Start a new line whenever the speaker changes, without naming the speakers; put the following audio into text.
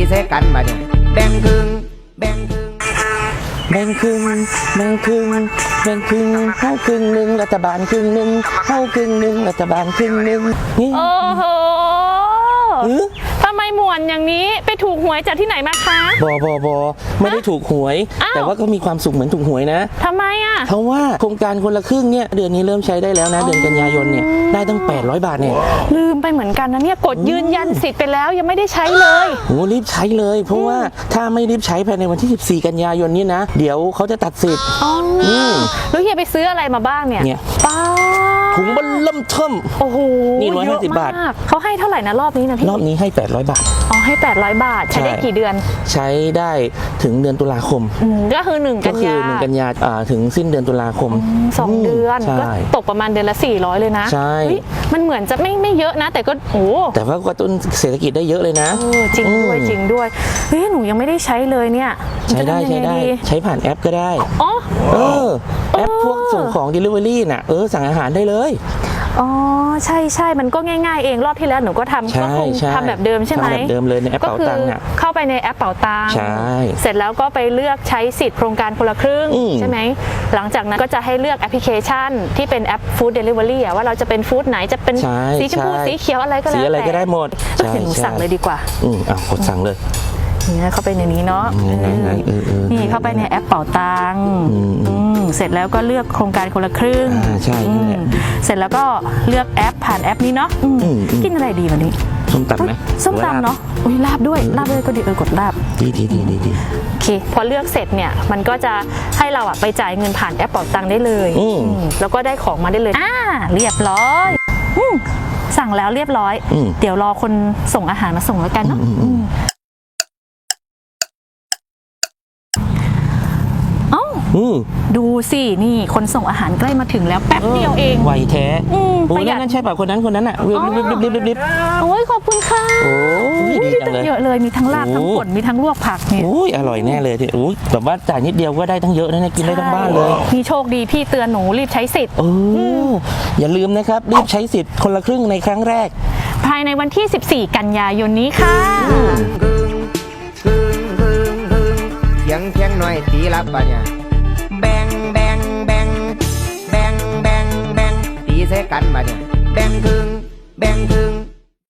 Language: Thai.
ใส่กันมาเนี่ยแบ่งครึ่งแบ่งครึ่ง
แบ่งครึ่งแบ่งครึ่งแบ่งครึ่งเข้าครึ่งหนึ่งรัฐบาลครึ่งหนึ่งเข้าครึ่งหนึ่งรัฐบาลครึ่งหนึ่งนี่
โอ้โหทำไมหมวนอย่างนี้ไปถูกหวยจากที่ไหนมาคะ
บอไม่ได้ถูกหวยแต่ว่าก็มีความสุขเหมือนถูกหวยนะ
ทำไมอ่ะ
เพราะว่าโครงการคนละครึ่งเนี่ยเดือนนี้เริ่มใช้ได้แล้วนะเดือนกันยายนเนี่ยได้ตั้ง800 บาทเนี่ย
ลืมไปเหมือนกันนะเนี่ยกดยืนยันสิทธิ์ไปแล้วยังไม่ได้ใช้เลย
โอ้รีบใช้เลยเพราะว่าถ้าไม่รีบใช้ภายในวันที่14 กันยายนนี้นะเดี๋ยวเขาจะตัดสิทธิ์
แล้วเฮียไปซื้ออะไรมาบ้างเนี่ยป้า
ถุงมันเริ่มเทิม
โอ้โห
นี่150 บาท
เขาให้เท่าไหร่นะรอบนี้นะพี่
รอบนี้ให้800 บาท
อ๋อให้800 บาทใช้ได้กี่เดือน
ใช้ได้ถึงเดือนตุลาคม
ก็คือ1 กันยา
ถึงสิ้นเดือนตุลาคม
2 เดือนก็ตกประมาณเดือนละ400เลยนะ
ใช่
มันเหมือนจะไม่เยอะนะแต่ก็โอ้
แต่ว่ากระตุ้นเศรษฐกิจได้เยอะเลยนะ
จริงด้วยเฮ้ยหนูยังไม่ได้ใช้เลยเนี่ย
ใช้ได้ใช้ผ่านแอปก็ได้
อ๋อ
แอปพวกส่งของ Delivery น่ะสั่งอาหารได้เลย
อ๋อใช่มันก็ง่ายๆเองรอบที่แล้วหนูก็ทำก็คงทำแบบเดิมใช่ไหม
แบบเดิมเลยในแอปเป๋าตังค์
เข้าไปในแอปเป๋าตังค์เสร็จแล้วก็ไปเลือกใช้สิทธิ์โครงการคนละครึ่งใช่ไหมหลังจากนั้นก็จะให้เลือกแอปพลิเคชันที่เป็นแอปฟู้ดเดลิเวอรี่ว่าเราจะเป็นฟู้ดไหนจะเป็นสีชมพูสีเขียวอะไรก็แล้วแต่
สีอะไรก็ได้หมด
เดี๋ยวหนูสั่งเลยดีกว่
ากดสั่งเลย
นี่เข้าไปในนี้เนาะนี่เข้าไปในแอปเป๋าตังค์เสร็จแล้วก็เลือกโครงการคนละครึ่ง
ใช่
เสร็จแล้วก็เลือกแอปผ่านแอปนี้เนาะกินอะไรดีวันนี้
ส้มตำไหม
ส้มตำเนาะลาบด้วยก็ดีกดลาบ
ดี
โอเคพอเลือกเสร็จเนี่ยมันก็จะให้เราไปจ่ายเงินผ่านแอปเป๋าตังค์ได้เลยแล้วก็ได้ของมาได้เลยเรียบร้อยสั่งแล้วเรียบร้อยเดี๋ยวรอคนส่งอาหารมาส่งแล้วกันเนาะดูสินี่คนส่งอาหารใกล้มาถึงแล้วแป๊บเดียวเอง
ไวแท้ประหยัดนั่นใช่ป่ะคนนั้นอ่ะรีบ
โอ้ยขอบคุณค่ะ
โอ้ยดีจังเลย
เยอะเลยมีทั้งลาบทั้งป่นมีทั้งลวกผักเนี่ย
โอ้ยอร่อยแน่เลยที่แบบว่าจ่ายนิดเดียวก็ได้ทั้งเยอะนะกินได้ทั้งบ้านเลย
มีโชคดีพี่เตือนหนูรีบใช้สิทธิ์
อย่าลืมนะครับรีบใช้สิทธิ์คนละครึ่งในครั้งแรก
ภายในวันที่14 กันยายนนี้ค่ะ
เพียงหน่อยตีรับป่ะเนี่ยแบ่งตีใส่กันมาเนี่ยแบ่งครึ่ง